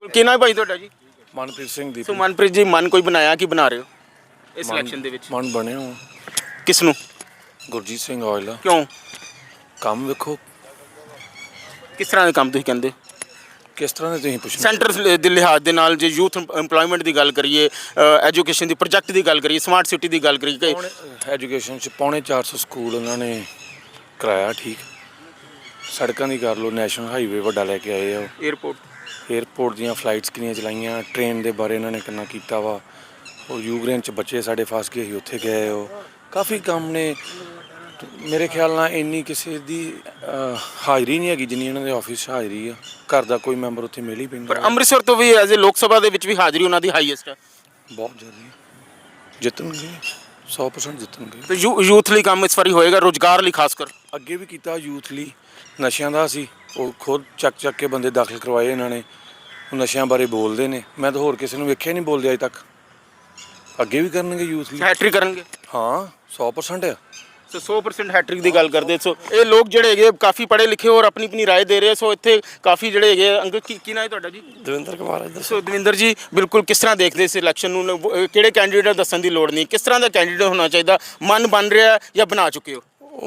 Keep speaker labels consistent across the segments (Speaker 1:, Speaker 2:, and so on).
Speaker 1: ਕੀ ਨਾਮ ਭਾਈ ਤੁਹਾਡਾ ਜੀ?
Speaker 2: ਮਨਪ੍ਰੀਤ ਸਿੰਘ ਦੀ।
Speaker 1: ਸੋ ਮਨਪ੍ਰੀਤ ਜੀ, ਮਨ ਕੋਈ ਬਣਾਇਆ ਕਿ ਬਣਾ ਰਹੇ ਹੋ ਇਸ ਇਲੈਕਸ਼ਨ ਦੇ ਵਿੱਚ?
Speaker 2: ਮਨ ਬਣਿਆ ਹੋ
Speaker 1: ਕਿਸ ਨੂੰ?
Speaker 2: ਗੁਰਜੀਤ ਸਿੰਘ ਔਜਲਾ।
Speaker 1: ਕਿਉਂ?
Speaker 2: ਕੰਮ ਵੇਖੋ
Speaker 1: ਕਿਸ ਤਰ੍ਹਾਂ ਦੇ ਕੰਮ ਤੁਸੀਂ ਕਹਿੰਦੇ?
Speaker 2: ਕਿਸ ਤਰ੍ਹਾਂ ਦੇ ਤੁਸੀਂ ਪੁੱਛਣਾ।
Speaker 1: ਸੈਂਟਰ ਦੇ ਲਿਹਾਜ਼ ਦੇ ਨਾਲ ਜੇ ਯੂਥ ਇੰਪਲੋਇਮੈਂਟ ਦੀ ਗੱਲ ਕਰੀਏ, ਐਜੂਕੇਸ਼ਨ ਦੀ ਪ੍ਰੋਜੈਕਟ ਦੀ ਗੱਲ ਕਰੀਏ, ਸਮਾਰਟ ਸਿਟੀ ਦੀ ਗੱਲ ਕਰੀਏ,
Speaker 2: ਐਜੂਕੇਸ਼ਨ 'ਚ 450 ਸਕੂਲ ਉਹਨਾਂ ਨੇ ਕਰਾਇਆ। ਠੀਕ, ਸੜਕਾਂ ਦੀ ਕਰ ਲਓ, ਨੈਸ਼ਨਲ ਹਾਈਵੇ ਵੱਡਾ ਲੈ ਕੇ ਆਏ ਆ। ਏਅਰਪੋਰਟ ਦੀਆਂ ਫਲਾਈਟਸ ਕਿੰਨੀਆਂ ਚਲਾਈਆਂ, ਟ੍ਰੇਨ ਦੇ ਬਾਰੇ ਇਹਨਾਂ ਨੇ ਕਿੰਨਾ ਕੀਤਾ ਵਾ। ਉਹ ਯੂਕਰੇਨ 'ਚ ਬੱਚੇ ਸਾਡੇ ਫਸ ਗਏ ਸੀ, ਉੱਥੇ ਗਏ। ਉਹ ਕਾਫੀ ਕੰਮ ਨੇ। ਮੇਰੇ ਖਿਆਲ ਨਾਲ ਇੰਨੀ ਕਿਸੇ ਦੀ ਹਾਜ਼ਰੀ ਨਹੀਂ ਹੈਗੀ ਜਿੰਨੀ ਇਹਨਾਂ ਦੇ ਆਫਿਸ 'ਚ ਹਾਜ਼ਰੀ ਆ। ਘਰ ਦਾ ਕੋਈ ਮੈਂਬਰ ਉੱਥੇ ਮਿਲ ਹੀ ਪੈਂਦਾ।
Speaker 1: ਪਰ ਅੰਮ੍ਰਿਤਸਰ ਤੋਂ ਵੀ ਐਜ਼ ਏ ਲੋਕ ਸਭਾ ਦੇ ਵਿੱਚ ਵੀ ਹਾਜ਼ਰੀ ਉਹਨਾਂ ਦੀ ਹਾਈਐਸਟ ਹੈ।
Speaker 2: ਬਹੁਤ ਜ਼ਿਆਦਾ ਜਿੱਤਣਗੇ, 100% ਜਿੱਤਣਗੇ।
Speaker 1: ਤੇ ਯੂਥ ਲਈ ਕੰਮ ਇਸ ਵਾਰੀ ਹੋਏਗਾ, ਰੁਜ਼ਗਾਰ ਲਈ ਖਾਸ ਕਰ?
Speaker 2: ਅੱਗੇ ਵੀ ਕੀਤਾ ਯੂਥ ਲਈ। ਨਸ਼ਿਆਂ ਦਾ ਸੀ, ਉਹ ਖੁਦ ਚੱਕ ਕੇ ਬੰਦੇ ਦਾਖਲ ਕਰਵਾਏ ਇਹਨਾਂ ਨੇ। ਉਹ ਨਸ਼ਿਆਂ ਬਾਰੇ ਬੋਲਦੇ ਨੇ, ਮੈਂ ਤਾਂ ਹੋਰ ਕਿਸੇ ਨੂੰ ਵੇਖਿਆ ਨਹੀਂ ਬੋਲਦੇ ਅਜੇ ਤੱਕ। ਅੱਗੇ ਵੀ ਕਰਨਗੇ ਯੂਥ ਲਈ।
Speaker 1: ਹੈਟ੍ਰਿਕ ਕਰਨਗੇ?
Speaker 2: ਹਾਂ, 100% ਆ।
Speaker 1: ਸੋ 100% ਹੈਟ੍ਰਿਕ ਦੀ ਗੱਲ ਕਰਦੇ। ਸੋ ਇਹ ਲੋਕ ਜਿਹੜੇ ਹੈਗੇ ਕਾਫੀ ਪੜ੍ਹੇ ਲਿਖੇ ਔਰ ਆਪਣੀ ਆਪਣੀ ਰਾਏ ਦੇ ਰਹੇ। ਸੋ ਇੱਥੇ ਕਾਫੀ ਜਿਹੜੇ ਹੈਗੇ ਅੰਕਲ, ਕੀ ਨਾਮ ਹੈ ਤੁਹਾਡਾ ਜੀ?
Speaker 3: ਦਵਿੰਦਰ ਕੁਮਾਰ।
Speaker 1: ਸੋ ਦਵਿੰਦਰ ਜੀ, ਬਿਲਕੁਲ ਕਿਸ ਤਰ੍ਹਾਂ ਦੇਖਦੇ ਇਸ ਇਲੈਕਸ਼ਨ ਨੂੰ? ਕਿਹੜੇ ਕੈਂਡੀਡੇਟ ਦੱਸਣ ਦੀ ਲੋੜ ਨਹੀਂ, ਕਿਸ ਤਰ੍ਹਾਂ ਦਾ ਕੈਂਡੀਡੇਟ ਹੋਣਾ ਚਾਹੀਦਾ? ਮਨ ਬਣ ਰਿਹਾ ਜਾਂ ਬਣਾ ਚੁੱਕੇ ਹੋ?
Speaker 3: ਉਹ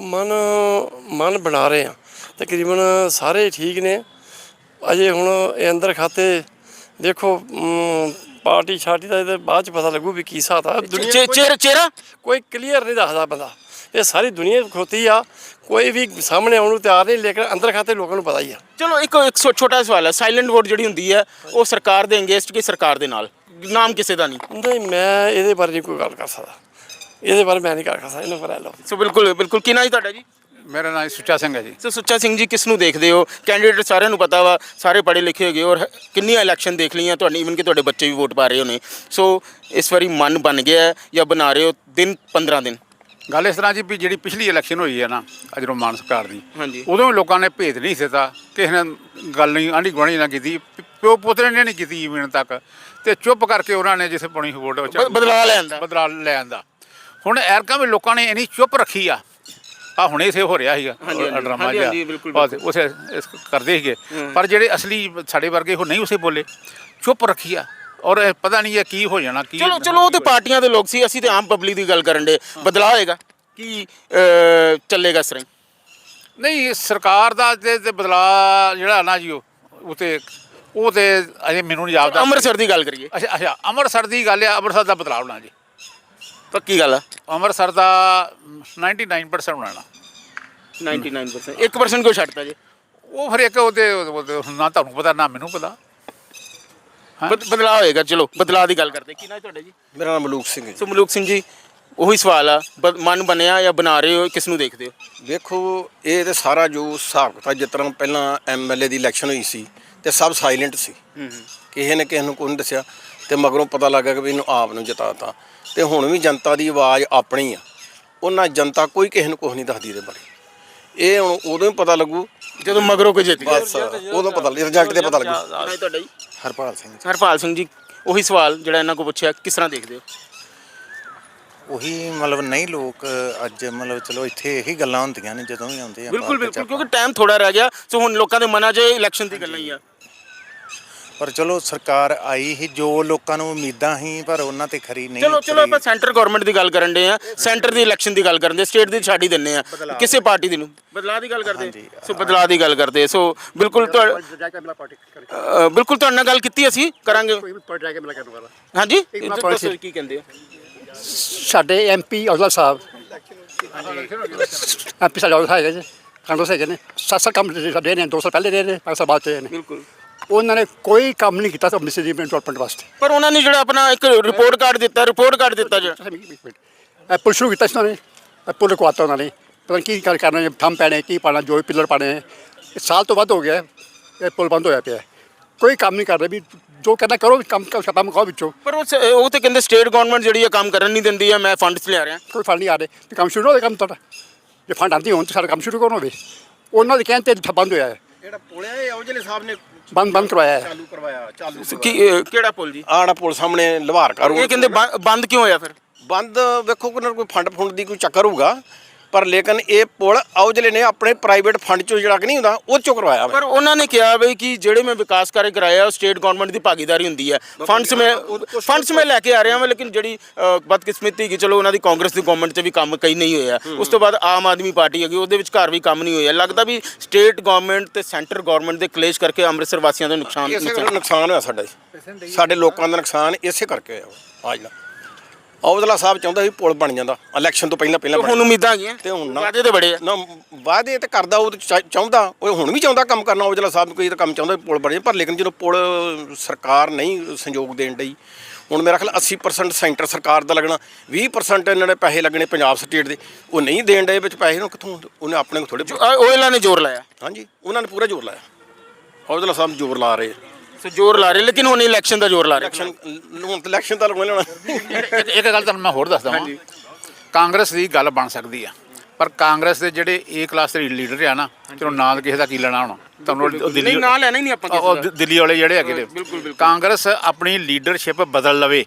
Speaker 3: ਮਨ ਬਣਾ ਰਹੇ ਆ, ਤਕਰੀਬਨ ਸਾਰੇ ਠੀਕ ਨੇ। ਅਜੇ ਹੁਣ ਇਹ ਅੰਦਰ ਖਾਤੇ ਦੇਖੋ, ਪਾਰਟੀ ਛਾਟੀ ਦਾ ਇਹਦੇ ਬਾਅਦ 'ਚ ਪਤਾ ਲੱਗੂ ਵੀ ਕੀ ਹਿਸਾਬ ਆ।
Speaker 1: ਚਿਹਰਾ ਕੋਈ
Speaker 3: ਕਲੀਅਰ ਨਹੀਂ ਦੱਸਦਾ ਬੰਦਾ। ਇਹ ਸਾਰੀ ਦੁਨੀਆ ਖੋਤੀ ਆ, ਕੋਈ ਵੀ ਸਾਹਮਣੇ ਆਉਣ ਨੂੰ ਤਿਆਰ ਨਹੀਂ, ਲੇਕਿਨ ਅੰਦਰ ਖਾਤੇ ਲੋਕਾਂ ਨੂੰ ਪਤਾ ਹੀ ਆ।
Speaker 1: ਚਲੋ ਇੱਕ ਛੋਟਾ ਸਵਾਲ ਹੈ, ਸਾਇਲੈਂਟ ਵੋਟ ਜਿਹੜੀ ਹੁੰਦੀ ਹੈ ਉਹ ਸਰਕਾਰ ਦੇ ਅਗੇਂਸਟ ਕਿ ਸਰਕਾਰ ਦੇ ਨਾਲ? ਨਾਮ ਕਿਸੇ ਦਾ ਨਹੀਂ।
Speaker 3: ਮੈਂ ਇਹਦੇ ਬਾਰੇ ਨਹੀਂ ਕੋਈ ਗੱਲ ਕਰ ਸਕਦਾ, ਇਹਦੇ ਬਾਰੇ ਮੈਂ ਨਹੀਂ ਕਰ ਸਕਦਾ, ਇਹਨੂੰ ਪਰ ਲਓ।
Speaker 1: ਸੋ ਬਿਲਕੁਲ ਕੀ ਨਾਮ ਹੈ ਤੁਹਾਡਾ ਜੀ?
Speaker 4: ਮੇਰਾ ਨਾਮ ਸੁੱਚਾ ਸਿੰਘ ਹੈ ਜੀ।
Speaker 1: ਸੋ ਸੁੱਚਾ ਸਿੰਘ ਜੀ, ਕਿਸ ਨੂੰ ਦੇਖਦੇ ਹੋ? ਕੈਂਡੀਡੇਟ ਸਾਰਿਆਂ ਨੂੰ ਪਤਾ ਵਾ, ਸਾਰੇ ਪੜ੍ਹੇ ਲਿਖੇ ਹੈਗੇ ਔਰ ਕਿੰਨੀਆਂ ਇਲੈਕਸ਼ਨ ਦੇਖ ਲਈਆਂ ਤੁਹਾਡੀ, ਈਵਨ ਕਿ ਤੁਹਾਡੇ ਬੱਚੇ ਵੀ ਵੋਟ ਪਾ ਰਹੇ ਹੋਣੇ। ਸੋ ਇਸ ਵਾਰੀ ਮਨ ਬਣ ਗਿਆ ਜਾਂ ਬਣਾ ਰਹੇ ਹੋ? 15 ਦਿਨ
Speaker 4: ਗੱਲ ਇਸ ਤਰ੍ਹਾਂ ਜੀ ਵੀ ਜਿਹੜੀ ਪਿਛਲੀ ਇਲੈਕਸ਼ਨ ਹੋਈ ਹੈ ਨਾ ਜਦੋਂ ਮਾਨ ਸਰਕਾਰ ਦੀ,
Speaker 1: ਹਾਂਜੀ,
Speaker 4: ਉਦੋਂ ਵੀ ਲੋਕਾਂ ਨੇ ਭੇਦ ਨਹੀਂ ਦਿੱਤਾ, ਕਿਸੇ ਨੇ ਗੱਲ ਨਹੀਂ ਆਂਢੀ ਗੁਆਂਢੀ ਨਾਲ ਕੀਤੀ, ਪਿਓ ਪੁੱਤਰੇ ਨੇ ਨਹੀਂ ਕੀਤੀ ਜ਼ਮੀਨ ਤੱਕ, ਤੇ ਚੁੱਪ ਕਰਕੇ ਉਹਨਾਂ ਨੇ ਜਿੱਥੇ ਪਾਉਣੀ ਵੋਟ ਬਦਲਾ ਲੈ ਆਂਦਾ। ਹੁਣ ਐਰਕਾਂ ਵੀ ਲੋਕਾਂ ਨੇ ਇੰਨੀ ਚੁੱਪ ਰੱਖੀ ਆ ਹੁਣੇ ਇਸੇ ਹੋ ਰਿਹਾ ਸੀਗਾ ਡਰਾਮਾ ਜਿਹਾ, ਉਸੇ ਕਰਦੇ ਸੀਗੇ। ਪਰ ਜਿਹੜੇ ਅਸਲੀ ਸਾਡੇ ਵਰਗੇ ਉਹ ਨਹੀਂ ਉਸੇ ਬੋਲੇ, ਚੁੱਪ ਰੱਖੀ ਆ। ਔਰ ਪਤਾ ਨਹੀਂ ਹੈ ਕੀ ਹੋ ਜਾਣਾ। ਕੀ
Speaker 1: ਚਲੋ ਉਹ ਤੇ ਪਾਰਟੀਆਂ ਦੇ ਲੋਕ ਸੀ, ਅਸੀਂ ਤੇ ਆਮ ਪਬਲਿਕ ਦੀ ਗੱਲ ਕਰਨ ਦੇ। ਬਦਲਾਅ ਹੋਏਗਾ ਕੀ ਚੱਲੇਗਾ ਇਸ ਤਰ੍ਹਾਂ?
Speaker 4: ਨਹੀਂ, ਸਰਕਾਰ ਦਾ ਤੇ ਬਦਲਾਅ ਜਿਹੜਾ ਨਾ ਜੀ ਉਹ ਤੇ ਅਜੇ ਮੈਨੂੰ ਨਹੀਂ ਜਾਪਦਾ।
Speaker 1: ਅੰਮ੍ਰਿਤਸਰ ਦੀ ਗੱਲ ਕਰੀਏ।
Speaker 4: ਅੱਛਾ ਅੰਮ੍ਰਿਤਸਰ ਦੀ ਗੱਲ ਆ। ਅੰਮ੍ਰਿਤਸਰ ਦਾ ਬਦਲਾਅ ਹੋਣਾ ਜੀ,
Speaker 1: ਪੱਕੀ ਗੱਲ ਆ।
Speaker 4: ਅੰਮ੍ਰਿਤਸਰ ਦਾ 99% ਬਣਾਉਣਾ।
Speaker 1: 99%? 1% ਕਿਉਂ ਛੱਡਤਾ ਜੀ?
Speaker 4: ਉਹ ਫਿਰ ਇੱਕ ਉਹਦੇ ਨਾ ਤੁਹਾਨੂੰ ਪਤਾ ਨਾ ਮੈਨੂੰ ਪਤਾ।
Speaker 1: ਬਦਲਾਅ ਹੋਏਗਾ। ਚਲੋ ਬਦਲਾਅ ਦੀ ਗੱਲ ਕਰਦੇ। ਕੀ ਨਾਮ ਤੁਹਾਡਾ ਜੀ?
Speaker 5: ਮੇਰਾ ਨਾਮ ਮਲੂਕ ਸਿੰਘ ਹੈ।
Speaker 1: ਸੋ ਮਲੂਕ ਸਿੰਘ ਜੀ, ਉਹੀ ਸਵਾਲ ਆ, ਮਨ ਬਣਿਆ ਜਾਂ ਬਣਾ ਰਹੇ ਹੋ? ਕਿਸ ਨੂੰ ਦੇਖਦੇ ਹੋ?
Speaker 5: ਵੇਖੋ, ਇਹ ਤੇ ਸਾਰਾ ਜੋ ਹਿਸਾਬ ਕਿਤਾਬ, ਜਿਸ ਤਰ੍ਹਾਂ ਪਹਿਲਾਂ MLA ਦੀ ਇਲੈਕਸ਼ਨ ਹੋਈ ਸੀ ਤੇ ਸਭ ਸਾਇਲੈਂਟ ਸੀ, ਕਿਸੇ ਨੇ ਕਿਸੇ ਨੂੰ ਕੋਈ ਨਹੀਂ ਦੱਸਿਆ, ਤੇ ਮਗਰੋਂ ਪਤਾ ਲੱਗਾ ਕਿ ਵੀ ਇਹਨੂੰ ਆਪ ਨੂੰ ਜਿਤਾਤਾ। ਤੇ ਹੁਣ ਵੀ ਜਨਤਾ ਦੀ ਆਵਾਜ਼ ਆਪਣੀ ਆ, ਉਹਨਾਂ ਜਨਤਾ ਕੋਈ ਕਿਸੇ ਨੂੰ ਕੁਛ ਨਹੀਂ ਦੱਸਦੀ ਇਹਦੇ ਬਾਰੇ। ਇਹ ਹੁਣ ਉਦੋਂ ਹੀ ਪਤਾ ਲੱਗੂ
Speaker 1: ਜਦੋਂ ਮਗਰੋਂ ਕੋਈ ਜਿੱਤ ਗਿਆ,
Speaker 5: ਬਸ ਉਦੋਂ ਪਤਾ ਰਿਜ਼ਲਟ ਤੇ ਪਤਾ ਲੱਗੂ।
Speaker 1: ਤੁਹਾਡਾ ਜੀ?
Speaker 5: ਹਰਪਾਲ ਸਿੰਘ।
Speaker 1: ਹਰਪਾਲ ਸਿੰਘ ਜੀ, ਉਹੀ ਸਵਾਲ ਜਿਹੜਾ ਇਹਨਾਂ ਕੋਲ ਪੁੱਛਿਆ, ਕਿਸ ਤਰ੍ਹਾਂ ਦੇਖਦੇ ਹੋ?
Speaker 6: ਉਹੀ ਮਤਲਬ ਨਹੀਂ, ਲੋਕ ਅੱਜ ਮਤਲਬ ਚਲੋ ਇੱਥੇ ਇਹੀ ਗੱਲਾਂ ਹੁੰਦੀਆਂ ਨੇ ਜਦੋਂ ਵੀ ਆਉਂਦੇ ਆ।
Speaker 1: ਬਿਲਕੁਲ ਕਿਉਂਕਿ ਟਾਈਮ ਥੋੜਾ ਰਹਿ ਗਿਆ। ਸੋ ਹੁਣ ਲੋਕਾਂ ਦੇ ਮਨਾਂ 'ਚ ਇਲੈਕਸ਼ਨ ਦੀ ਗੱਲਾਂ ਹੀ ਆ।
Speaker 6: ਪਰ ਚਲੋ ਸਰਕਾਰ ਆਈ ਹੀ, ਜੋ ਲੋਕਾਂ ਨੂੰ ਉਮੀਦਾਂ ਸੀ ਪਰ ਉਹਨਾਂ ਤੇ ਖਰੀ ਨਹੀਂ।
Speaker 1: ਚਲੋ ਆਪਾਂ ਸੈਂਟਰ ਗਵਰਨਮੈਂਟ ਦੀ ਗੱਲ ਕਰਨ ਦੇ ਆ, ਸੈਂਟਰ ਦੀ ਇਲੈਕਸ਼ਨ ਦੀ ਗੱਲ ਕਰਨ ਦੇ, ਸਟੇਟ ਦੀ ਛੱਡ ਹੀ ਦਿੰਦੇ ਆ। ਕਿਸੇ ਪਾਰਟੀ ਦੀ ਨੂੰ ਬਦਲਾਅ ਦੀ ਗੱਲ ਕਰਦੇ। ਸੋ ਬਦਲਾਅ ਦੀ ਗੱਲ ਕਰਦੇ। ਸੋ ਬਿਲਕੁਲ ਤੁਹਾਡੇ ਨਾਲ ਗੱਲ ਕੀਤੀ, ਅਸੀਂ ਕਰਾਂਗੇ। ਹਾਂਜੀ, ਕੀ ਕਹਿੰਦੇ ਆ?
Speaker 7: ਸਾਡੇ MP ਔਜਲਾ ਸਾਹਿਬ, MP ਸਾਡੇ ਔਜਲਾ ਹੈਗੇ ਜੀ, ਕਾਂਗਰਸ ਹੈਗੇ ਨੇ। 7 ਕੰਮ ਰਹੇ ਨੇ, 2 ਸਾਲ ਪਹਿਲੇ ਰਹੇ ਨੇ, 5 ਸਾਲ ਬਾਅਦ ਰਹੇ ਨੇ।
Speaker 1: ਬਿਲਕੁਲ
Speaker 7: ਉਹਨਾਂ ਨੇ ਕੋਈ ਕੰਮ ਨਹੀਂ ਕੀਤਾ ਅੰਮ੍ਰਿਤਸਰ ਦੀ ਡਿਵੈਲਪਮੈਂਟ ਵਾਸਤੇ।
Speaker 1: ਪਰ ਉਹਨਾਂ ਨੇ ਜਿਹੜਾ ਆਪਣਾ ਇੱਕ ਰਿਪੋਰਟ ਕਾਰਡ ਦਿੱਤਾ ਜਿਹੜਾ
Speaker 7: ਪੁਲ ਸ਼ੁਰੂ ਕੀਤਾ ਸੀ ਉਹਨਾਂ ਨੇ, ਪੁਲ ਰੁਕਵਾਤਾ ਉਹਨਾਂ ਨੇ। ਪਤਾ ਕੀ ਕਰਨਾ, ਥੰਮ ਪੈਣੇ, ਕੀ ਪਾਣਾ, ਜੋ ਪਿੱਲਰ ਪਾਣੇ। ਸਾਲ ਤੋਂ ਵੱਧ ਹੋ ਗਿਆ ਇਹ ਪੁਲ ਬੰਦ ਹੋਇਆ ਪਿਆ, ਕੋਈ ਕੰਮ ਨਹੀਂ ਕਰ ਰਿਹਾ। ਵੀ ਜੋ ਕਹਿੰਦਾ ਕਰੋ, ਕੰਮ ਖਾਓ ਵਿੱਚੋਂ।
Speaker 1: ਪਰ ਉਹ ਤੇ ਕਹਿੰਦੇ ਸਟੇਟ ਗਵਰਨਮੈਂਟ ਜਿਹੜੀ ਹੈ ਕੰਮ ਕਰਨ ਨਹੀਂ ਦਿੰਦੀ ਹੈ, ਮੈਂ ਫੰਡਸ ਲਿਆ ਰਿਹਾ।
Speaker 7: ਕੋਈ ਫੰਡ ਨਹੀਂ ਆ ਰਹੇ, ਤੇ ਕੰਮ ਸ਼ੁਰੂ ਹੋਵੇ ਕੰਮ ਤੁਹਾਡਾ। ਜੇ ਫੰਡ ਆਉਂਦੇ ਹੋਣ ਤਾਂ ਸਾਡਾ ਕੰਮ ਸ਼ੁਰੂ ਕਰਨਾ ਹੋਵੇ। ਉਹਨਾਂ ਦੇ ਕਹਿਣ 'ਤੇ ਬੰਦ ਹੋਇਆ ਹੈ।
Speaker 5: ਜਿਹੜਾ ਪੁਲ ਹੈ ਇਹ ਔਜਲੇ ਸਾਹਿਬ ਨੇ
Speaker 7: ਬੰਦ ਕਰਵਾਇਆ ਹੈ।
Speaker 5: ਚਾਲੂ ਕਰਵਾਇਆ।
Speaker 1: ਕਿਹੜਾ ਪੁਲ ਜੀ?
Speaker 5: ਆੜਾ ਪੁਲ ਸਾਹਮਣੇ ਲਵਾਰ ਕਰੋ।
Speaker 1: ਇਹ ਕਹਿੰਦੇ ਬੰਦ ਕਿਉਂ ਹੋਇਆ ਫਿਰ?
Speaker 5: ਬੰਦ ਵੇਖੋ, ਕੋਈ ਨਾ ਕੋਈ ਫੰਡ ਦੀ ਕੋਈ ਚੱਕਰ ਹੋਊਗਾ। ਪਰ ਲੇਕਿਨ ਇਹ ਪੁਲ ਔਜਲੇ ਨੇ ਆਪਣੇ ਪ੍ਰਾਈਵੇਟ ਫੰਡ ਚੋਂ ਜਿਹੜਾ ਕਿ ਨਹੀਂ ਹੁੰਦਾ ਉਹ ਚੋਂ ਕਰਵਾਇਆ ਵਾ।
Speaker 1: ਪਰ ਉਹਨਾਂ ਨੇ ਕਿਹਾ ਬਈ ਕਿ ਜਿਹੜੇ ਮੈਂ ਵਿਕਾਸ ਕਾਰਜ ਕਰਾਇਆ ਉਹ ਸਟੇਟ ਗਵਰਨਮੈਂਟ ਦੀ ਭਾਗੀਦਾਰੀ ਹੁੰਦੀ ਹੈ। ਫੰਡਸ ਮੈਂ ਲੈ ਕੇ ਆ ਰਿਹਾ ਹਾਂ, ਲੇਕਿਨ ਜਿਹੜੀ ਬਦਕਿਸਮਤੀ ਕਿ ਚਲੋ ਉਹਨਾਂ ਦੀ ਕਾਂਗਰਸ ਦੀ ਗਵਰਨਮੈਂਟ 'ਚ ਵੀ ਕੰਮ ਕਈ ਨਹੀਂ ਹੋਇਆ। ਉਸ ਤੋਂ ਬਾਅਦ ਆਮ ਆਦਮੀ ਪਾਰਟੀ ਹੈਗੀ, ਉਹਦੇ ਵਿੱਚ ਘਰ ਵੀ ਕੰਮ ਨਹੀਂ ਹੋਇਆ। ਲੱਗਦਾ ਵੀ ਸਟੇਟ ਗਵਰਨਮੈਂਟ ਤੇ ਸੈਂਟਰ ਗਵਰਨਮੈਂਟ ਦੇ ਕਲੇਸ਼ ਕਰਕੇ ਅੰਮ੍ਰਿਤਸਰ ਵਾਸੀਆਂ ਦਾ
Speaker 5: ਇਸੇ ਕਰਕੇ ਨੁਕਸਾਨ ਹੋਇਆ ਸਾਡਾ ਜੀ। ਸਾਡੇ ਲੋਕਾਂ ਦਾ ਨੁਕਸਾਨ ਇਸੇ ਕਰਕੇ ਹੋਇਆ। ਆ ਜਿਹੜਾ ਔਜਲਾ ਸਾਹਿਬ ਚਾਹੁੰਦਾ ਸੀ ਪੁਲ ਬਣ ਜਾਂਦਾ ਇਲੈਕਸ਼ਨ ਤੋਂ ਪਹਿਲਾਂ
Speaker 1: ਹੁਣ ਉਮੀਦਾਂ ਹੈਗੀਆਂ
Speaker 5: ਤੇ ਹੁਣ ਨਾ
Speaker 1: ਵਾਅਦੇ ਤੇ ਬੜੇ ਆ।
Speaker 5: ਨਾ ਵਾਅਦੇ ਤੇ ਕਰਦਾ, ਉਹ ਚਾਹੁੰਦਾ, ਉਹ ਹੁਣ ਵੀ ਚਾਹੁੰਦਾ ਕੰਮ ਕਰਨਾ। ਔਜਲਾ ਸਾਹਿਬ ਕੋਈ ਤਾਂ ਕੰਮ ਚਾਹੁੰਦਾ ਪੁਲ ਬਣੇ, ਪਰ ਲੇਕਿਨ ਜਦੋਂ ਪੁਲ ਸਰਕਾਰ ਨਹੀਂ ਸੰਯੋਗ ਦੇਣ ਡਈ, ਹੁਣ ਮੇਰਾ ਖਿਆਲ 80% ਸੈਂਟਰ ਸਰਕਾਰ ਦਾ ਲੱਗਣਾ, 20% ਇਹਨਾਂ ਨੇ ਪੈਸੇ ਲੱਗਣੇ ਪੰਜਾਬ ਸਟੇਟ ਦੇ, ਉਹ ਨਹੀਂ ਦੇਣ ਡਏ ਵਿੱਚ ਪੈਸੇ ਨੂੰ ਕਿੱਥੋਂ, ਉਹਨੇ ਆਪਣੇ ਕੋਲ ਥੋੜੇ।
Speaker 1: ਓਇਲਾਂ ਨੇ ਜ਼ੋਰ ਲਾਇਆ।
Speaker 5: ਹਾਂਜੀ, ਉਹਨਾਂ ਨੇ ਪੂਰਾ ਜ਼ੋਰ ਲਾਇਆ। ਔਜਲਾ ਸਾਹਿਬ ਜ਼ੋਰ ਲਾ ਰਹੇ,
Speaker 1: ਸੋ ਜ਼ੋਰ ਲਾ ਰਹੇ, ਲੇਕਿਨ ਹੁਣ ਇਲੈਕਸ਼ਨ ਦਾ ਜ਼ੋਰ ਲਾ ਰਹੇ।
Speaker 5: ਇਲੈਕਸ਼ਨ ਤਾਂ ਲੱਗਣਾ।
Speaker 4: ਇੱਕ ਗੱਲ ਤੁਹਾਨੂੰ ਮੈਂ ਹੋਰ ਦੱਸਦਾ ਹਾਂ, ਕਾਂਗਰਸ ਦੀ ਗੱਲ ਬਣ ਸਕਦੀ ਆ, ਪਰ ਕਾਂਗਰਸ ਦੇ ਜਿਹੜੇ ਏ ਕਲਾਸ ਦੇ ਲੀਡਰ ਆ ਨਾ, ਚਲੋ ਨਾਂ ਕਿਸੇ ਦਾ ਕੀ ਲੈਣਾ ਹੁਣ, ਤੁਹਾਨੂੰ ਦਿੱਲੀ
Speaker 1: ਨਾਂ ਲੈਣਾ ਹੀ ਨਹੀਂ ਆਪਾਂ
Speaker 4: ਉਹ ਦਿੱਲੀ ਵਾਲੇ ਜਿਹੜੇ ਹੈਗੇ ਨੇ। ਕਾਂਗਰਸ ਆਪਣੀ ਲੀਡਰਸ਼ਿਪ ਬਦਲ ਲਵੇ।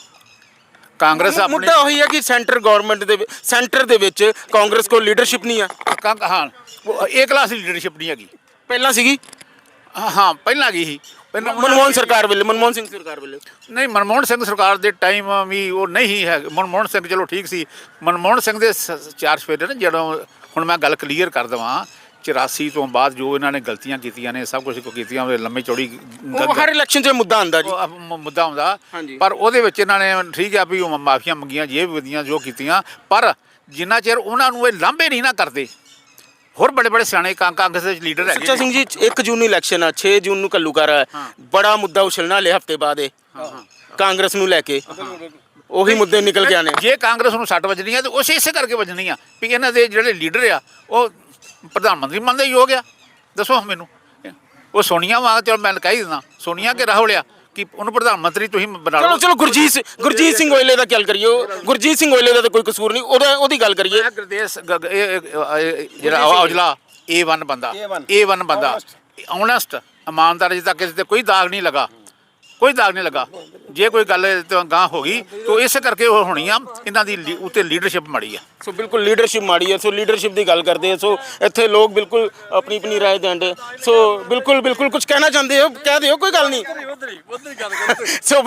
Speaker 4: ਕਾਂਗਰਸ ਆਪਣੀ
Speaker 1: ਮੁੱਦਾ ਉਹੀ ਹੈ ਕਿ ਸੈਂਟਰ ਦੇ ਵਿੱਚ ਕਾਂਗਰਸ ਕੋਲ ਲੀਡਰਸ਼ਿਪ ਨਹੀਂ ਆ।
Speaker 4: ਹਾਂ, ਏ ਕਲਾਸ ਦੀ ਲੀਡਰਸ਼ਿਪ ਨਹੀਂ ਹੈਗੀ।
Speaker 1: ਪਹਿਲਾਂ ਸੀਗੀ,
Speaker 4: ਹਾਂ ਪਹਿਲਾਂ ਗਈ ਸੀ।
Speaker 1: ਮਨਮੋਹਨ ਸਰਕਾਰ ਵੇਲੇ, ਮਨਮੋਹਨ ਸਿੰਘ ਸਰਕਾਰ ਵੇਲੇ
Speaker 4: ਨਹੀਂ, ਮਨਮੋਹਨ ਸਿੰਘ ਸਰਕਾਰ ਦੇ ਟਾਈਮ ਵੀ ਉਹ ਨਹੀਂ ਹੈ। ਮਨਮੋਹਨ ਸਿੰਘ ਚਲੋ ਠੀਕ ਸੀ। ਮਨਮੋਹਨ ਸਿੰਘ ਦੇ ਚਾਰ ਸਫੇਰੇ ਨੇ, ਜਦੋਂ ਹੁਣ ਮੈਂ ਗੱਲ ਕਲੀਅਰ ਕਰ ਦੇਵਾਂ, 84 ਤੋਂ ਬਾਅਦ ਜੋ ਇਹਨਾਂ ਨੇ ਗਲਤੀਆਂ ਕੀਤੀਆਂ ਨੇ, ਸਭ ਕੁਝ ਕੀਤੀਆਂ, ਲੰਮੀ ਚੌੜੀ
Speaker 1: ਹਰ ਇਲੈਕਸ਼ਨ 'ਚ ਮੁੱਦਾ ਆਉਂਦਾ ਜੀ,
Speaker 4: ਮੁੱਦਾ ਆਉਂਦਾ। ਪਰ ਉਹਦੇ ਵਿੱਚ ਇਹਨਾਂ ਨੇ ਠੀਕ ਆ ਵੀ ਉਹ ਮਾਫੀਆਂ ਮੰਗੀਆਂ, ਜੇ ਵਧੀਆਂ ਜੋ ਕੀਤੀਆਂ, ਪਰ ਜਿੰਨਾ ਚਿਰ ਉਹਨਾਂ ਨੂੰ ਇਹ ਲਾਂਭੇ ਨਹੀਂ ਨਾ ਕਰਦੇ, ਹੋਰ ਬੜੇ ਬੜੇ ਸਿਆਣੇ ਕਾਂਗਰਸ ਦੇ ਲੀਡਰ ਹੈਗੇ।
Speaker 1: ਸੱਚਾ ਸਿੰਘ ਜੀ, 1 ਜੂਨ ਨੂੰ ਇਲੈਕਸ਼ਨ ਆ, 6 ਜੂਨ ਨੂੰ ਘੱਲੂਘਾਰਾ ਹੈ, ਬੜਾ ਮੁੱਦਾ ਉਛਲਣਾ ਹਲੇ ਹਫਤੇ ਬਾਅਦ ਇਹ ਕਾਂਗਰਸ ਨੂੰ ਲੈ ਕੇ ਉਹੀ ਮੁੱਦੇ ਨਿਕਲ ਕੇ ਆਣੇ।
Speaker 4: ਜੇ ਕਾਂਗਰਸ ਨੂੰ 60 ਵੱਜਣੀ ਆ ਤੇ ਉਸੇ ਇਸੇ ਕਰਕੇ ਵੱਜਣੀ ਆ ਵੀ ਇਹਨਾਂ ਦੇ ਜਿਹੜੇ ਲੀਡਰ ਆ ਉਹ ਪ੍ਰਧਾਨ ਮੰਤਰੀ ਬਣਦੇ ਯੋਗ ਆ। ਦੱਸੋ ਮੈਨੂੰ, ਉਹ ਸੋਨੀਆ ਵਾ, ਚਲੋ ਮੈਂ ਕਹਿ ਹੀ ਦਿੰਦਾ, ਸੋਨੀਆ ਕਿ ਰਾਹੁਲ ਆ ਕਿ ਉਹਨੂੰ ਪ੍ਰਧਾਨ ਮੰਤਰੀ ਤੁਸੀਂ ਬਣਾ ਲਓ।
Speaker 1: ਚਲੋ ਗੁਰਜੀਤ ਸਿੰਘ ਔਜਲੇ ਦਾ ਗੱਲ ਕਰੀਏ। ਗੁਰਜੀਤ ਸਿੰਘ ਔਜਲੇ ਦਾ ਤਾਂ ਕੋਈ ਕਸੂਰ ਨਹੀਂ, ਉਹਦੀ ਗੱਲ ਕਰੀਏ।
Speaker 4: ਗੁਰਦੇਸ ਜਿਹੜਾ ਔਜਲਾ A1 ਬੰਦਾ, A1 ਬੰਦਾ, ਓਨੈਸਟ, ਇਮਾਨਦਾਰ, ਜਿੱਦਾਂ ਕਿਸੇ ਤੇ ਕੋਈ ਦਾਗ ਨਹੀਂ ਲੱਗਾ, ਕੋਈ ਦਾਗ ਨਹੀਂ ਲੱਗਾ। ਜੇ ਕੋਈ ਗੱਲ ਗਾਂ ਹੋ ਗਈ ਤਾਂ ਇਸੇ ਕਰਕੇ ਉਹ ਹੋਣੀ ਆ, ਇਹਨਾਂ ਦੀ ਉੱਤੇ ਲੀਡਰਸ਼ਿਪ ਮਾੜੀ ਆ।
Speaker 1: ਸੋ ਬਿਲਕੁਲ ਲੀਡਰਸ਼ਿਪ ਮਾੜੀ ਹੈ। ਸੋ ਲੀਡਰਸ਼ਿਪ ਦੀ ਗੱਲ ਕਰਦੇ ਆ। ਸੋ ਇੱਥੇ ਲੋਕ ਬਿਲਕੁਲ ਆਪਣੀ ਆਪਣੀ ਰਾਏ ਦੇਂਦੇ। ਸੋ ਬਿਲਕੁਲ ਕੁਝ ਕਹਿਣਾ ਚਾਹੁੰਦੇ ਹੋ, ਕਹਿ ਦਿਓ, ਕੋਈ ਗੱਲ ਨਹੀਂ। ਸੋ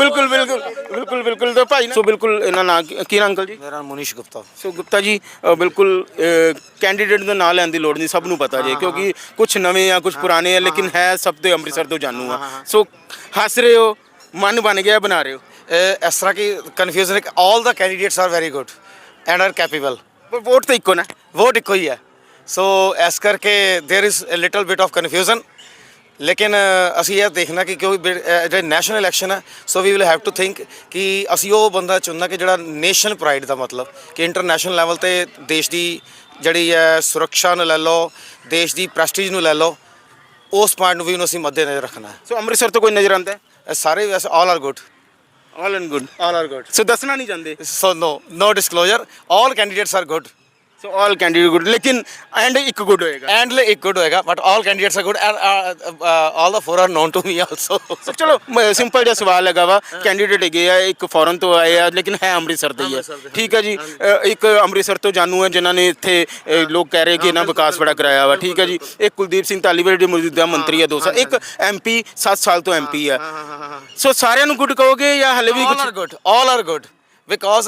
Speaker 1: ਬਿਲਕੁਲ ਤਾਂ ਭਾਈ, ਸੋ ਬਿਲਕੁਲ ਇਹਨਾਂ ਨਾਂ ਕੀ ਨਾਂ ਅੰਕਲ ਜੀ?
Speaker 8: ਮੇਰਾ ਨਾਮ ਮੁਨੀਸ਼ ਗੁਪਤਾ।
Speaker 1: ਸੋ ਗੁਪਤਾ ਜੀ, ਬਿਲਕੁਲ ਕੈਂਡੀਡੇਟ ਦਾ ਨਾਂ ਲੈਣ ਦੀ ਲੋੜ ਨਹੀਂ, ਸਭ ਨੂੰ ਪਤਾ ਜੇ, ਕਿਉਂਕਿ ਕੁਝ ਨਵੇਂ ਆ, ਕੁਝ ਪੁਰਾਣੇ ਆ, ਲੇਕਿਨ ਹੈ ਸਭ ਤੋਂ ਅੰਮ੍ਰਿਤਸਰ ਤੋਂ ਜਾਣੂ ਆ। ਸੋ ਹੱਸ ਰਹੇ ਹੋ, ਮਨ ਬਣ ਗਿਆ, ਬਣਾ ਰਹੇ ਹੋ।
Speaker 8: ਇਸ ਤਰ੍ਹਾਂ ਕਿ ਕਨਫਿਊਜ਼ਨ ਹੈ ਕਿ all the candidates are very good and are capable,
Speaker 1: ਪਰ ਵੋਟ ਤਾਂ ਇੱਕੋ ਨਾ,
Speaker 8: ਵੋਟ ਇੱਕੋ ਹੀ ਹੈ। ਸੋ ਇਸ ਕਰਕੇ there is a little bit of confusion. ਲੇਕਿਨ ਅਸੀਂ ਇਹ ਦੇਖਣਾ ਕਿ ਕਿਉਂਕਿ ਜਿਹੜੇ ਨੈਸ਼ਨਲ ਇਲੈਕਸ਼ਨ ਹੈ, so we will have to think ਕਿ ਅਸੀਂ ਉਹ ਬੰਦਾ ਚੁਣਨਾ ਕਿ ਜਿਹੜਾ ਨੇਸ਼ਨ ਪ੍ਰਾਈਡ ਦਾ ਮਤਲਬ ਕਿ ਇੰਟਰਨੈਸ਼ਨਲ ਲੈਵਲ 'ਤੇ ਦੇਸ਼ ਦੀ ਜਿਹੜੀ ਹੈ ਸੁਰੱਖਿਆ ਨੂੰ ਲੈ ਲਓ, ਦੇਸ਼ ਦੀ ਪ੍ਰੈਸਟੀਜ ਨੂੰ ਲੈ ਲਓ, ਉਸ ਪੁਆਇੰਟ ਨੂੰ ਵੀ ਉਹਨੂੰ ਅਸੀਂ ਮੱਦੇ ਨਜ਼ਰ ਰੱਖਣਾ ਹੈ।
Speaker 1: ਸੋ ਅੰਮ੍ਰਿਤਸਰ ਤੋਂ ਕੋਈ ਨਜ਼ਰ ਆਉਂਦਾ ਹੈ?
Speaker 8: ਸਾਰੇ ਵੈਸੇ all are good,
Speaker 1: all and good,
Speaker 8: all are good.
Speaker 1: So ਦੱਸਣਾ ਨਹੀਂ ਚਾਹੁੰਦੇ?
Speaker 8: So no disclosure. All candidates are good.
Speaker 1: So all candidate good, ਲੇਕਿਨ ਐਂਡ ਇੱਕ ਗੁੱਡ ਹੋਏਗਾ।
Speaker 8: And एक good होएगा, but all candidates are good, and all the four are known to me also.
Speaker 1: So ਚਲੋ simple ਜਿਹਾ ਸਵਾਲ ਹੈਗਾ ਵਾ, ਕੈਂਡੀਡੇਟ ਹੈਗੇ ਆ, ਇੱਕ ਫੋਰਨ ਤੋਂ ਆਏ ਆ, ਲੇਕਿਨ ਹੈ ਅੰਮ੍ਰਿਤਸਰ ਦੇ ਹੀ ਆ, ਠੀਕ ਹੈ ਜੀ। ਇੱਕ ਅੰਮ੍ਰਿਤਸਰ ਤੋਂ ਜਾਣੂ ਹੈ, ਜਿਨ੍ਹਾਂ ਨੇ ਇੱਥੇ ਲੋਕ ਕਹਿ ਰਹੇ ਕਿ ਇਹਨਾਂ ਵਿਕਾਸ ਬੜਾ ਕਰਾਇਆ ਵਾ, ਠੀਕ ਹੈ ਜੀ। ਇੱਕ ਕੁਲਦੀਪ ਸਿੰਘ ਧਾਲੀਵਾਲ ਜਿਹੜੇ ਮੌਜੂਦਾ ਮੰਤਰੀ ਆ 2 ਸਾਲ, ਇੱਕ MP 7 ਸਾਲ ਤੋਂ MP ਆ। ਸੋ ਸਾਰਿਆਂ ਨੂੰ ਗੁੱਡ ਕਹੋਗੇ ਜਾਂ ਹਲੇ ਵੀ
Speaker 8: All are good. All are good. Because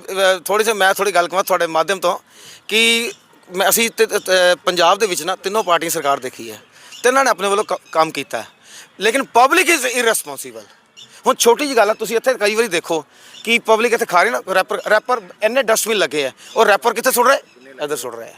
Speaker 8: ਮੈਂ ਥੋੜੀ ਗੱਲ ਕਰਾਂ ਤੁਹਾਡੇ ਮਾਧਿਅਮ ਤੋਂ ਕਿ ਅਸੀਂ ਪੰਜਾਬ ਦੇ ਵਿੱਚ ਨਾ ਤਿੰਨੋਂ ਪਾਰਟੀਆਂ ਸਰਕਾਰ ਦੇਖੀ ਹੈ, ਤਿੰਨਾਂ ਨੇ ਆਪਣੇ ਵੱਲੋਂ ਕੰਮ ਕੀਤਾ ਹੈ, ਲੇਕਿਨ ਪਬਲਿਕ ਇਜ਼ ਇਰਰਿਸਪੌਂਸੀਬਲ। ਹੁਣ ਛੋਟੀ ਜਿਹੀ ਗੱਲ ਹੈ, ਤੁਸੀਂ ਇੱਥੇ ਕਈ ਵਾਰੀ ਦੇਖੋ ਕਿ ਪਬਲਿਕ ਇੱਥੇ ਖਾ ਰਹੀ ਨਾ, ਰੈਪਰ ਇੰਨੇ ਡਸਟਬਿਨ ਲੱਗੇ ਆ, ਔਰ ਰੈਪਰ ਕਿੱਥੇ ਸੁੱਟ ਰਹੇ? ਇੱਧਰ ਸੁੱਟ ਰਹੇ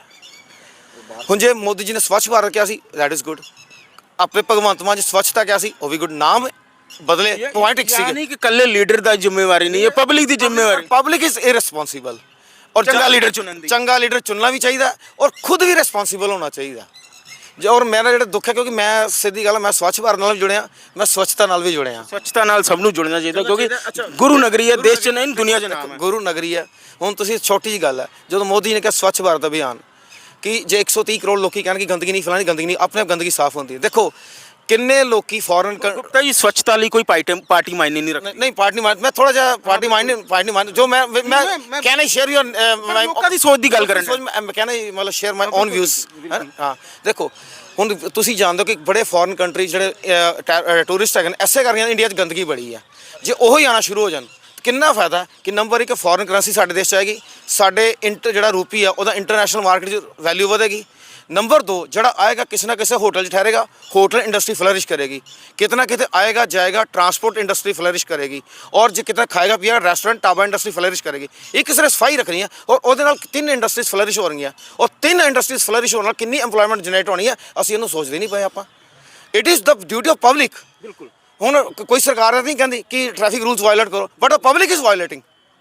Speaker 8: ਆ। ਹੁਣ ਜੇ ਮੋਦੀ ਜੀ ਨੇ ਸਵੱਛ ਭਾਰਤ ਕਿਹਾ ਸੀ, ਦੈਟ ਇਜ਼ ਗੁੱਡ। ਆਪਣੇ ਭਗਵੰਤ ਮਾਨ ਜੀ ਸਵੱਛਤਾ ਕਿਹਾ ਸੀ, ਉਹ ਵੀ ਗੁੱਡ। ਨਾਮ ਬਦਲੇ, ਪੁਆਇੰਟ ਇੱਕ ਸੀ।
Speaker 1: ਯਾਨੀ ਕਿ ਇਕੱਲੇ ਲੀਡਰ ਦਾ ਜ਼ਿੰਮੇਵਾਰੀ ਨਹੀਂ ਹੈ, ਪਬਲਿਕ ਦੀ ਜ਼ਿੰਮੇਵਾਰੀ।
Speaker 8: Public is irresponsible. ਔਰ
Speaker 1: ਚੰਗਾ ਲੀਡਰ ਚੁਣਨ ਦੀ,
Speaker 8: ਚੰਗਾ ਲੀਡਰ ਚੁਣਨਾ ਵੀ ਚਾਹੀਦਾ ਔਰ ਖੁਦ ਵੀ ਰਿਸਪੌਂਸੀਬਲ ਹੋਣਾ ਚਾਹੀਦਾ। ਔਰ ਮੇਰਾ ਜਿਹੜਾ ਦੁੱਖ ਹੈ, ਕਿਉਂਕਿ ਮੈਂ ਸਿੱਧੀ ਗੱਲ, ਮੈਂ ਸਵੱਛ ਭਾਰਤ ਨਾਲ ਵੀ ਜੁੜਿਆ, ਮੈਂ ਸਵੱਛਤਾ ਨਾਲ ਵੀ ਜੁੜਿਆ।
Speaker 1: ਸਵੱਛਤਾ ਨਾਲ ਸਭ ਨੂੰ ਜੁੜਨਾ ਚਾਹੀਦਾ, ਕਿਉਂਕਿ ਗੁਰੂ ਨਗਰੀ ਹੈ, ਦੇਸ਼ 'ਚ ਨਹੀਂ ਦੁਨੀਆ 'ਚ ਨਾਮ ਹੈ।
Speaker 8: ਗੁਰੂ ਨਗਰੀ ਹੈ। ਹੁਣ ਤੁਸੀਂ ਛੋਟੀ ਜਿਹੀ ਗੱਲ ਹੈ, ਜਦੋਂ ਮੋਦੀ ਨੇ ਕਿਹਾ ਸਵੱਛ ਭਾਰਤ ਅਭਿਆਨ, ਕਿ ਜੇ 130 ਕਰੋੜ ਲੋਕੀ ਕਹਿਣ ਕਿ ਗੰਦਗੀ ਨਹੀਂ ਫੈਲਾਣੀ, ਗੰਦਗੀ ਨਹੀਂ, ਆਪਣੇ ਆਪ ਗੰਦਗੀ ਸਾਫ਼ ਹੁੰਦੀ ਹੈ। ਦੇਖੋ ਕਿੰਨੇ ਲੋਕੀ ਫੋਰਨ
Speaker 1: ਗੁਪਤਾ ਜੀ ਸਵੱਛਤਾ ਲਈ ਕੋਈ ਪਾਰਟੀ ਮਾਇਨੇ ਨਹੀਂ ਰੱਖਦੀ।
Speaker 8: ਨਹੀਂ ਪਾਰਟੀ ਮੈਂ ਥੋੜਾ ਜਿਹਾ ਪਾਰਟੀ ਮਾਈਂਡ ਜੋ ਮੈਂ ਕੈਨ ਆਈ ਸ਼ੇਅਰ ਯੂਰ
Speaker 1: ਲੋਕਾਂ ਦੀ ਸੋਚ ਦੀ ਗੱਲ ਕਰਨ ਡਏ।
Speaker 8: ਮੈਂ ਕਹਿਣਾ ਮਤਲਬ ਸ਼ੇਅਰ ਮਾਈ ਓਨ ਵਿਊਜ਼। ਹਾਂ ਦੇਖੋ ਹੁਣ ਤੁਸੀਂ ਜਾਣਦੇ ਹੋ ਕਿ ਬੜੇ ਫੋਰਨ ਕੰਟਰੀ ਜਿਹੜੇ ਟੂਰਿਸਟ ਹੈਗੇ ਨੇ ਐਸੇ ਕਰਕੇ ਇੰਡੀਆ 'ਚ ਗੰਦਗੀ ਬੜੀ ਹੈ। ਜੇ ਉਹੀ ਆਉਣਾ ਸ਼ੁਰੂ ਹੋ ਜਾਣ ਕਿੰਨਾ ਫਾਇਦਾ ਕਿ ਨੰਬਰ 1 ਫੋਰਨ ਕਰੰਸੀ ਸਾਡੇ ਦੇਸ਼ 'ਚ ਆਏਗੀ, ਸਾਡੇ ਜਿਹੜਾ ਰੂਪੀ ਆ ਉਹਦਾ ਇੰਟਰਨੈਸ਼ਨਲ ਮਾਰਕੀਟ 'ਚ ਵੈਲਿਊ ਵਧੇਗੀ। ਨੰਬਰ 2 ਜਿਹੜਾ ਆਏਗਾ ਕਿਸੇ ਨਾ ਕਿਸੇ ਹੋਟਲ 'ਚ ਠਹਿਰੇਗਾ, ਹੋਟਲ ਇੰਡਸਟਰੀ ਫਲਰਿਸ਼ ਕਰੇਗੀ। ਕਿਤਨਾ ਕਿਤੇ ਆਏਗਾ ਜਾਏਗਾ ਟਰਾਂਸਪੋਰਟ ਇੰਡਸਟਰੀ ਫਲਰਿਸ਼ ਕਰੇਗੀ, ਔਰ ਜੇ ਕਿਤੇ ਖਾਏਗਾ ਪੀਏਗਾ ਰੈਸਟੋਰੈਂਟ ਢਾਬਾ ਇੰਡਸਟਰੀ ਫਲਰਿਸ਼ ਕਰੇਗੀ। ਇੱਕ ਸਿਰਫ ਸਫਾਈ ਰੱਖਣੀ ਹੈ ਔਰ ਉਹਦੇ ਨਾਲ 3 ਇੰਡਸਟਰੀਜ਼ ਫਲਰਿਸ਼ ਹੋ ਰਹੀਆਂ, ਔਰ 3 ਇੰਡਸਟਰੀਜ਼ ਫਲਰਿਸ਼ ਹੋਣ ਨਾਲ ਕਿੰਨੀ ਇੰਪਲੋਇਮੈਂਟ ਜਨਰੇਟ ਹੋਣੀ ਹੈ ਅਸੀਂ ਇਹਨੂੰ ਸੋਚਦੇ ਨਹੀਂ ਪਏ ਆਪਾਂ। It is the duty of public. ਬਿਲਕੁਲ ਹੁਣ ਕੋਈ ਸਰਕਾਰ ਨਹੀਂ ਕਹਿੰਦੀ ਕਿ ਟ੍ਰੈਫਿਕ ਰੂਲਸ ਵਾਇਲੇਟ ਕਰੋ, but the public is violating.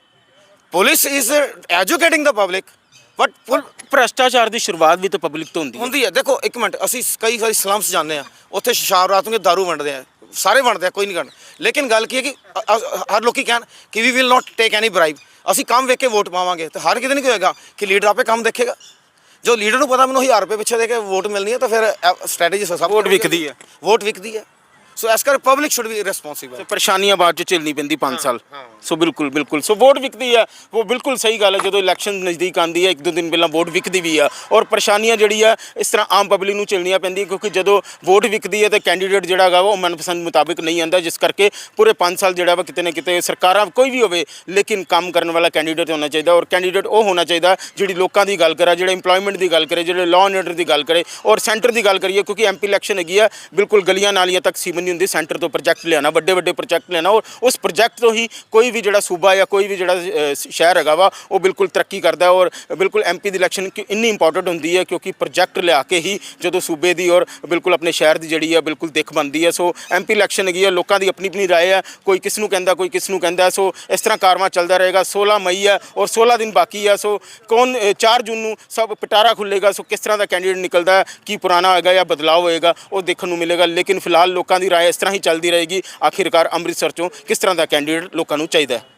Speaker 8: Police is educating the public, but
Speaker 1: ਭ੍ਰਸ਼ਟਾਚਾਰ ਦੀ ਸ਼ੁਰੂਆਤ ਵੀ ਤਾਂ ਪਬਲਿਕ ਤੋਂ
Speaker 8: ਹੁੰਦੀ ਹੈ। ਦੇਖੋ ਇੱਕ ਮਿੰਟ, ਅਸੀਂ ਕਈ ਵਾਰੀ ਸਲਮਸ ਜਾਂਦੇ ਆ, ਉੱਥੇ ਸ਼ਾਮ ਰਾਤ ਨੂੰ ਦਾਰੂ ਵੰਡਦੇ ਆ, ਸਾਰੇ ਵੰਡਦੇ ਆ, ਕੋਈ ਨਹੀਂ ਕਰਦਾ। ਲੇਕਿਨ ਗੱਲ ਕੀ ਹੈ ਕਿ ਹਰ ਲੋਕੀ ਕਹਿਣ ਕਿ we will not take any bribe, ਅਸੀਂ ਕੰਮ ਵੇਖ ਕੇ ਵੋਟ ਪਾਵਾਂਗੇ। ਤੇ ਹਰ ਕਿਤੇ ਨਹੀਂ ਹੋਏਗਾ ਕਿ ਲੀਡਰ ਆਪੇ ਕੰਮ ਦੇਖੇਗਾ। ਜੋ ਲੀਡਰ ਨੂੰ ਪਤਾ ਮੈਨੂੰ 1000 ਰੁਪਏ ਪਿੱਛੇ ਦੇ ਕੇ ਵੋਟ ਮਿਲਣੀ ਹੈ ਤਾਂ ਫਿਰ ਸਟ੍ਰੈਟਜੀ ਸਭ
Speaker 1: ਵੋਟ ਵਿਕਦੀ ਹੈ।
Speaker 8: ਵੋਟ ਵਿਕਦੀ ਹੈ। ਸੋ ਇਸ ਕਰਕੇ ਪਬਲਿਕ ਸ਼ੁੱਡ ਬੀ ਰਿਸਪੌਂਸਿਬਲ।
Speaker 1: ਪਰੇਸ਼ਾਨੀਆਂ ਬਾਅਦ ਚ ਝੇਲਣੀ ਪੈਂਦੀ 5 ਸਾਲ। ਸੋ ਬਿਲਕੁਲ ਸੋ ਵੋਟ ਵਿਕਦੀ ਹੈ, ਉਹ ਬਿਲਕੁਲ ਸਹੀ ਗੱਲ ਹੈ। ਜਦੋਂ ਇਲੈਕਸ਼ਨ ਨਜ਼ਦੀਕ ਆਉਂਦੀ ਹੈ 1-2 ਦਿਨ ਪਹਿਲਾਂ ਵੋਟ ਵਿਕਦੀ ਵੀ ਆ, ਔਰ ਪਰੇਸ਼ਾਨੀਆਂ ਜਿਹੜੀ ਆ ਇਸ ਤਰ੍ਹਾਂ ਆਮ ਪਬਲਿਕ ਨੂੰ ਝੇਲਣੀਆਂ ਪੈਂਦੀਆਂ, ਕਿਉਂਕਿ ਜਦੋਂ ਵੋਟ ਵਿਕਦੀ ਹੈ ਤਾਂ ਕੈਂਡੀਡੇਟ ਜਿਹੜਾ ਹੈਗਾ ਉਹ ਮਨਪਸੰਦ ਮੁਤਾਬਿਕ ਨਹੀਂ ਆਉਂਦਾ, ਜਿਸ ਕਰਕੇ ਪੂਰੇ 5 ਸਾਲ ਜਿਹੜਾ ਵਾ ਕਿਤੇ ਨਾ ਕਿਤੇ ਸਰਕਾਰਾਂ ਕੋਈ ਵੀ ਹੋਵੇ ਲੇਕਿਨ ਕੰਮ ਕਰਨ ਵਾਲਾ ਕੈਂਡੀਡੇਟ ਹੋਣਾ ਚਾਹੀਦਾ। ਔਰ ਕੈਂਡੀਡੇਟ ਉਹ ਹੋਣਾ ਚਾਹੀਦਾ ਜਿਹੜੀ ਲੋਕਾਂ ਦੀ ਗੱਲ ਕਰੇ, ਜਿਹੜੇ ਇੰਪਲੋਇਮੈਂਟ ਦੀ ਗੱਲ ਕਰੇ, ਜਿਹੜੇ ਲਾਅ ਐਂਡ ਆਰਡਰ ਦੀ ਗੱਲ ਕਰੇ। ਔਰ ਸੈਂਟਰ ਦੀ ਗੱਲ ਕਰੀਏ, ਕਿਉਂਕਿ ਐਮਪੀ ਇਲੈਕਸ਼ਨ ਹੈਗੀ ਆ, ਬਿਲਕੁਲ ਗਲੀਆਂ ਨਾਲੀਆਂ ਤੱਕ ਸੀਮਨ ਨਹੀਂ ਹੁੰਦੀ। ਸੈਂਟਰ ਤੋਂ ਪ੍ਰੋਜੈਕਟ ਲਿਆਉਣਾ, ਵੱਡੇ ਪ੍ਰੋਜੈਕਟ ਲਿਆਉਣਾ, ਔਰ ਉਸ ਪ੍ਰੋਜੈਕਟ ਤੋਂ ਹੀ ਕੋਈ ਵੀ ਜਿਹੜਾ ਸੂਬਾ ਜਾਂ ਕੋਈ ਵੀ ਜਿਹੜਾ ਸ਼ਹਿਰ ਹੈਗਾ ਵਾ ਉਹ ਬਿਲਕੁਲ ਤਰੱਕੀ ਕਰਦਾ। ਔਰ ਬਿਲਕੁਲ ਐਮਪੀ ਦੀ ਇਲੈਕਸ਼ਨ ਇੰਨੀ ਇੰਪੋਰਟੈਂਟ ਹੁੰਦੀ ਹੈ ਕਿਉਂਕਿ ਪ੍ਰੋਜੈਕਟ ਲਿਆ ਕੇ ਹੀ ਜਦੋਂ ਸੂਬੇ ਦੀ ਔਰ ਬਿਲਕੁਲ ਆਪਣੇ ਸ਼ਹਿਰ ਦੀ ਜਿਹੜੀ ਹੈ ਬਿਲਕੁਲ ਦਿੱਖ ਬਣਦੀ ਹੈ। ਸੋ ਐਮਪੀ ਇਲੈਕਸ਼ਨ ਹੈਗੀ ਹੈ, ਲੋਕਾਂ ਦੀ ਆਪਣੀ ਰਾਏ ਹੈ, ਕੋਈ ਕਿਸ ਨੂੰ ਕਹਿੰਦਾ, ਕੋਈ ਕਿਸ ਨੂੰ ਕਹਿੰਦਾ। ਸੋ ਇਸ ਤਰ੍ਹਾਂ ਕਾਰਵਾਂ ਚੱਲਦਾ ਰਹੇਗਾ। 16 ਮਈ ਹੈ ਔਰ 16 ਦਿਨ ਬਾਕੀ ਹੈ। ਸੋ 4 ਜੂਨ ਨੂੰ ਸਭ ਪਿਟਾਰਾ ਖੁੱਲੇਗਾ। ਸੋ ਕਿਸ ਤਰ੍ਹਾਂ ਦਾ ਕੈਂਡੀਡੇਟ ਨਿਕਲਦਾ, ਕੀ ਪੁਰਾਣਾ ਹੋਏਗਾ ਜਾਂ ਬਦਲਾਅ ਹੋਏਗਾ, ਉਹ ਦੇਖਣ ਨੂੰ ਮਿਲੇਗਾ। ਲੇਕਿਨ ਫਿਲਹਾਲ ਲੋਕਾਂ ਦੀ ਰਾਏ ਇਸ ਤਰ੍ਹਾਂ ਹੀ ਚੱਲਦੀ ਰਹੇਗੀ। ਆਖਿਰਕਾਰ ਅੰਮ੍ਰਿਤਸਰ ਚੋਂ ਕਿਸ ਤਰ੍ਹਾਂ ਦਾ ਕੈਂਡੀਡੇਟ ਲੋਕਾਂ ਨੂੰ ਚਾਹੀਦਾ ਹੈ।